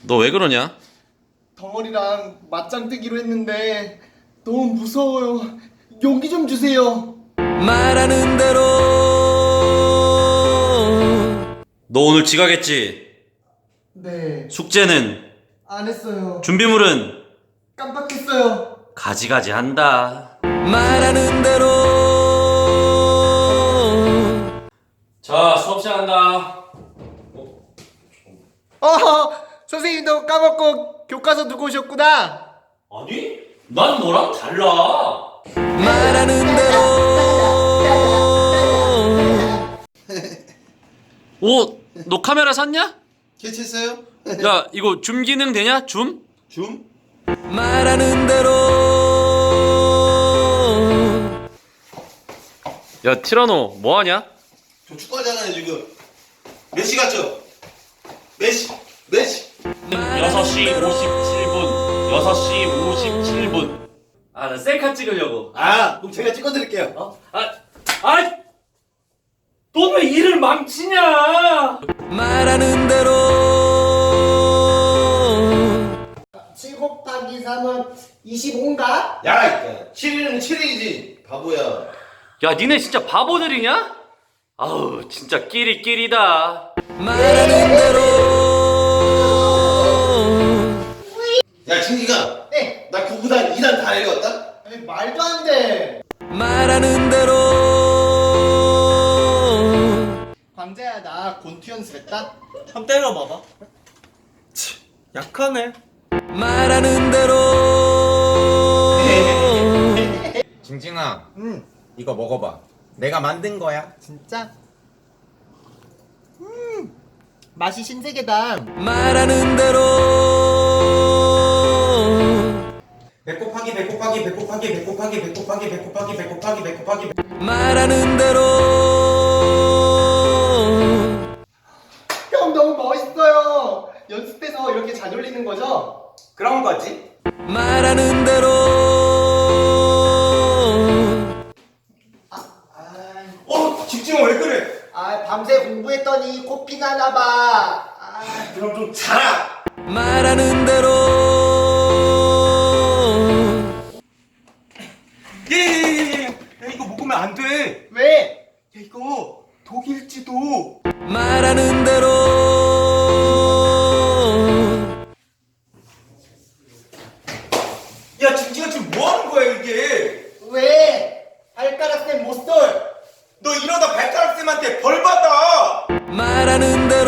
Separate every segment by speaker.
Speaker 1: 너 왜 그러냐?
Speaker 2: 덩어리랑 맞짱 뜨기로 했는데 너무 무서워요. 용기 좀 주세요.
Speaker 3: 말하는 대로
Speaker 1: 너 오늘 지각했지?
Speaker 2: 네,
Speaker 1: 숙제는?
Speaker 2: 안 했어요.
Speaker 1: 준비물은?
Speaker 2: 깜빡했어요.
Speaker 1: 가지가지 한다.
Speaker 3: 말하는 대로
Speaker 1: 자, 수업 시작한다.
Speaker 2: 선생님도 까먹고 교과서 두고 오셨구나.
Speaker 1: 아니? 난 너랑 달라.
Speaker 3: 말하는 대로
Speaker 1: 오, 너 카메라 샀냐?
Speaker 4: 개체했어요?
Speaker 1: 야, 이거 줌 기능 되냐? 줌?
Speaker 4: 줌?
Speaker 3: 말하는 대로
Speaker 1: 야, 티라노, 뭐하냐?
Speaker 4: 저 축구하잖아요 지금. 몇 시 갔죠? 몇 시? 몇 시?
Speaker 1: 6시 57분. 6시 57분. 아, 나 셀카 찍으려고.
Speaker 4: 아 그럼 제가 찍어드릴게요.
Speaker 1: 어? 너 왜 일을 망치냐?
Speaker 3: 말하는 대로
Speaker 2: 7 곱하기 3은 25인가?
Speaker 4: 야 7일은 7일이지 바보야.
Speaker 1: 야, 니네 진짜 바보들이냐? 아우, 진짜 끼리끼리다.
Speaker 3: 말하는 대로
Speaker 4: 야 진기가
Speaker 2: 네.
Speaker 4: 나 9구단 2단 다 내려왔다?
Speaker 2: 아니, 말도 안 돼.
Speaker 3: 말하는 대로
Speaker 2: 광재야, 나 곤투 연습했다.
Speaker 5: 한번 때려봐봐. 약하네.
Speaker 3: 말하는 대로
Speaker 5: 징징아, 이거 먹어봐. 내가 만든 거야.
Speaker 2: 진짜? 맛이 신세계다.
Speaker 3: 말하는 대로
Speaker 5: 배 곱하기 배 곱하기 배 곱하기 배 곱하기 배 곱하기 배 곱하기 배 곱하기 배 곱하기
Speaker 3: 말하는 대로
Speaker 2: 형 너무 멋있어요. 연습해서 이렇게 잘 올리는 거죠?
Speaker 5: 그런 거지.
Speaker 3: 말하는 대로
Speaker 5: 징징아 왜 그래?
Speaker 2: 밤새 공부했더니 코피 나나 봐.
Speaker 4: 그럼 좀 자라.
Speaker 3: 말하는 대로
Speaker 5: 예예예예. 야 이거 먹으면 안 돼.
Speaker 2: 왜?
Speaker 5: 야 이거 독일지도.
Speaker 3: 말하는 대로
Speaker 5: 야 징징아 지금 뭐 하는 거야 이게?
Speaker 2: 왜? 발가락 쌤 못쏠.
Speaker 5: 너 이러다 발가락 쌤한테 벌 받아.
Speaker 3: 말하는 대로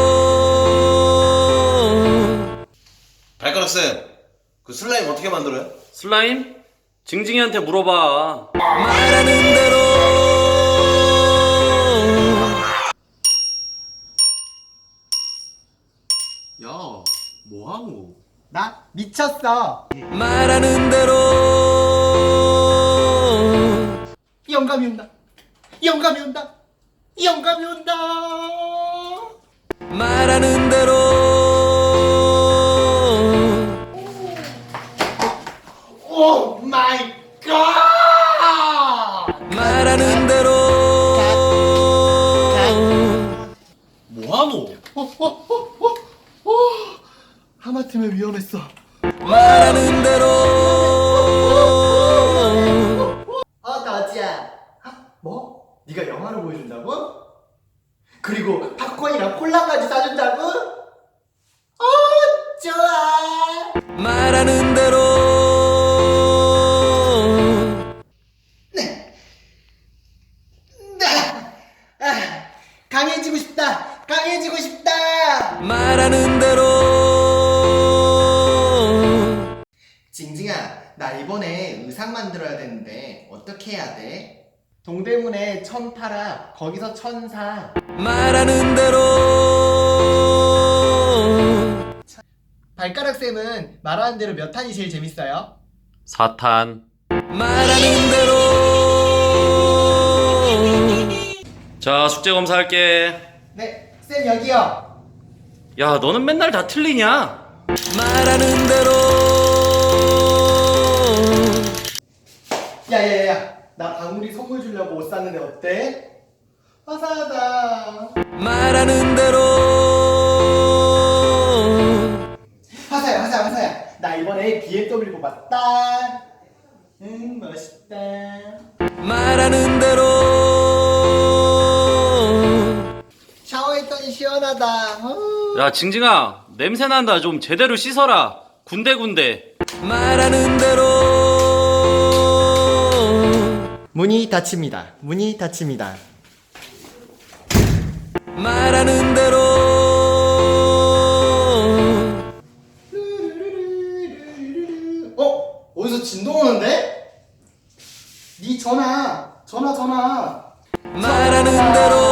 Speaker 4: 발가락 쌤그 슬라임 어떻게 만들어요?
Speaker 1: 슬라임? 징징이한테 물어봐.
Speaker 3: 말하는 대로
Speaker 4: 야 뭐하노?
Speaker 2: 나 미쳤어.
Speaker 3: 말하는 대로
Speaker 2: 영감이 온다. 영감이 온다. 영감이 온다.
Speaker 3: 말하는 대로
Speaker 2: 오 마이 갓.
Speaker 3: 말하는 대로
Speaker 4: 뭐하노?
Speaker 2: 하마터면 위험했어.
Speaker 3: 말하는 대로
Speaker 2: 다지야. 뭐? 네가 영화를 보여준다고? 그리고 팝콘이랑 콜라까지 사준다고? 좋아.
Speaker 3: 말하는 대로
Speaker 2: 강해지고 싶다. 강해지고 싶다.
Speaker 3: 말하는 대로
Speaker 2: 징징아, 나 이번에 의상 만들어야 되는데 어떻게 해야 돼? 동대문에 천 팔아. 거기서 천 사.
Speaker 3: 말하는 대로
Speaker 2: 발가락 쌤은 말하는 대로 몇 탄이 제일 재밌어요?
Speaker 1: 4탄.
Speaker 3: 말하는 대로
Speaker 1: 자, 숙제 검사할게.
Speaker 2: 네, 쌤 여기요.
Speaker 1: 야, 너는 맨날 다 틀리냐?
Speaker 3: 말하는 대로
Speaker 2: 야야야, 나 방울이 선물 주려고 옷 샀는데 어때? 화사하다.
Speaker 3: 말하는 대로
Speaker 2: 멋있다.
Speaker 3: 말하는 대로
Speaker 2: 샤워했더니 시원하다.
Speaker 1: 야, 징징아, 냄새 난다. 좀 제대로 씻어라. 군데군데.
Speaker 3: 말하는 대로
Speaker 2: 문이 닫힙니다. 문이 닫힙니다.
Speaker 3: 말하는 대로
Speaker 2: 어디서 진동 오는데? 네 전화.
Speaker 3: 말하는 대로